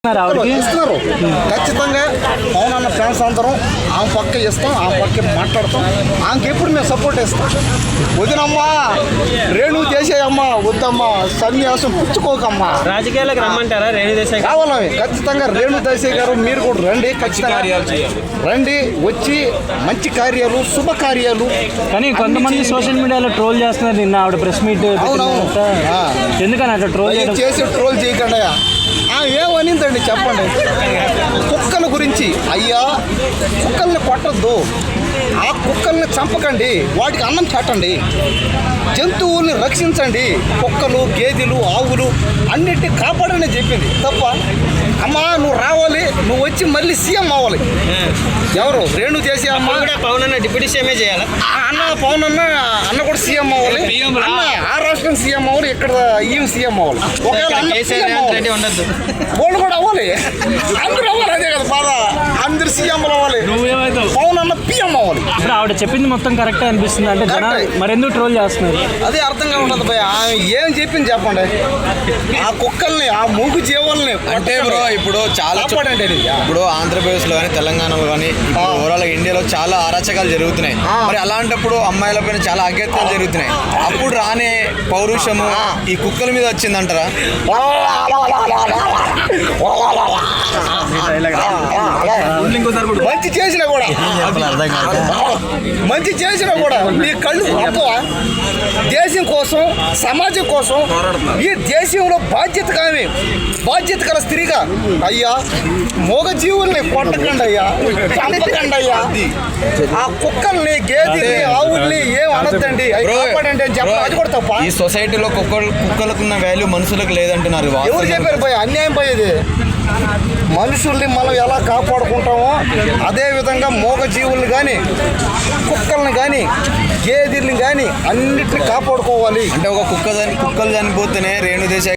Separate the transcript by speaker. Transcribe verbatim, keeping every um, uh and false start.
Speaker 1: ఇస్తున్నారు. ఖచ్చితంగా పవన్ అన్న ఫ్యాన్స్ అందరం ఆమె పక్క ఇస్తాం, ఆమె పక్క మాట్లాడతాం. ఆమెకి ఎప్పుడు మేము సపోర్ట్ ఇస్తాం. వదినమ్మా రేణు చేసేయమ్మా, వద్దమ్మా సన్యాసం పుచ్చుకోకమ్మా.
Speaker 2: రాజకీయాలకు రమ్మంటారా రేణు దేశాయ్?
Speaker 1: కావాలి ఖచ్చితంగా. రేణు దేశాయ్ గారు మీరు కూడా రండి, ఖచ్చితంగా రండి. వచ్చి మంచి కార్యాలు, శుభ కార్యాలు.
Speaker 3: కానీ కొంతమంది సోషల్ మీడియాలో ట్రోల్ చేస్తున్నారు. నిన్న ఆవిడ ప్రెస్ మీట్ ఎందుకని అట్లా ట్రోల్
Speaker 1: చేసి ట్రోల్ చేయకుండా ఏమనిందండి చెప్పండి. కుక్కల గురించి అయ్యా కుక్కల్ని కొట్టద్దు, ఆ కుక్కల్ని చంపకండి, వాటికి అన్నం పెట్టండి, జంతువుల్ని రక్షించండి, కుక్కలు గేదెలు ఆవులు అన్నిటిని కాపాడని చెప్పింది తప్ప. అమ్మా నువ్వు రావాలి, నువ్వు వచ్చి మళ్ళీ సీఎం అవ్వాలి. ఎవరు రేణు చేసి అమ్మ
Speaker 2: పవన్ అన్న డిప్యూటీ సీఎం చేయాలి.
Speaker 1: అన్న పవన్ అన్న అన్న కూడా సీఎం అవ్వాలి. అన్న ఆ రాష్ట్రం సీఎం అవ్వాలి, ఇక్కడ ఈమె సీఎం అవ్వాలి. వాళ్ళు కూడా అవ్వాలి, అందరూ అవ్వాలి. అదే కదా బాధ, అందరు సీఎంలు అవ్వాలి, పవన్ అన్న పిఎం అవ్వాలి.
Speaker 3: ఇప్పుడు ఆవిడ చెప్పింది మొత్తం కరెక్ట్ అనిపిస్తుంది అంటే జనాలు మరెందుకు ట్రోల్ చేస్తున్నారు?
Speaker 1: అదే అర్థంగా ఉండదు భయ. ఆమె ఏం చెప్పింది చెప్పండి. ఆ కుక్కల్ని, ఆ మూగు జీవాలని
Speaker 4: అంటే బ్రో ఇప్పుడు చాలా ఇప్పుడు ఆంధ్రప్రదేశ్లో కానీ తెలంగాణలో కానీ ఓవరాల్ ఇండియాలో చాలా అరాచకాలు జరుగుతున్నాయి. మరి అలాంటప్పుడు అమ్మాయిల పైన చాలా అగత్యాలు జరుగుతున్నాయి. అప్పుడు రానే పౌరుషము ఈ కుక్కల మీద వచ్చిందంటారా?
Speaker 1: మంచి చేసినా కూడా మంచి చేసినా కూడా నీ కళ్ళు గొప్పవా? దేశం కోసం, సమాజం కోసం, ఈ దేశంలో బాధ్యత కానీ బాధ్యత గల స్త్రీగా అయ్యా మూగ జీవుల్ని కొట్టకండి అయ్యా, చంపకండి అయ్యా, ఆ కుక్కల్ని గేదెల్ని ఆవుల్ని ఏం అనొద్దండి, అవి కాపాడండి అని చెప్పాలి. అది కూడా తప్ప.
Speaker 4: ఈ సొసైటీలో కుక్కలు కుక్కలకున్న వాల్యూ మనుషులకు లేదంటున్నారు.
Speaker 1: ఎవరు చెప్పారు పోయి? అన్యాయం పోయేది. మనుషుల్ని మనం ఎలా కాపాడుకుంటామో అదే విధంగా మూగ జీవుల్ని కానీ కుక్కల్ని కానీ గేదెల్ని కానీ అన్నిటిని కాపాడుకోవాలి.
Speaker 4: అంటే ఒక కుక్క కుక్కలు చనిపోతేనే రేణు దేశాయ్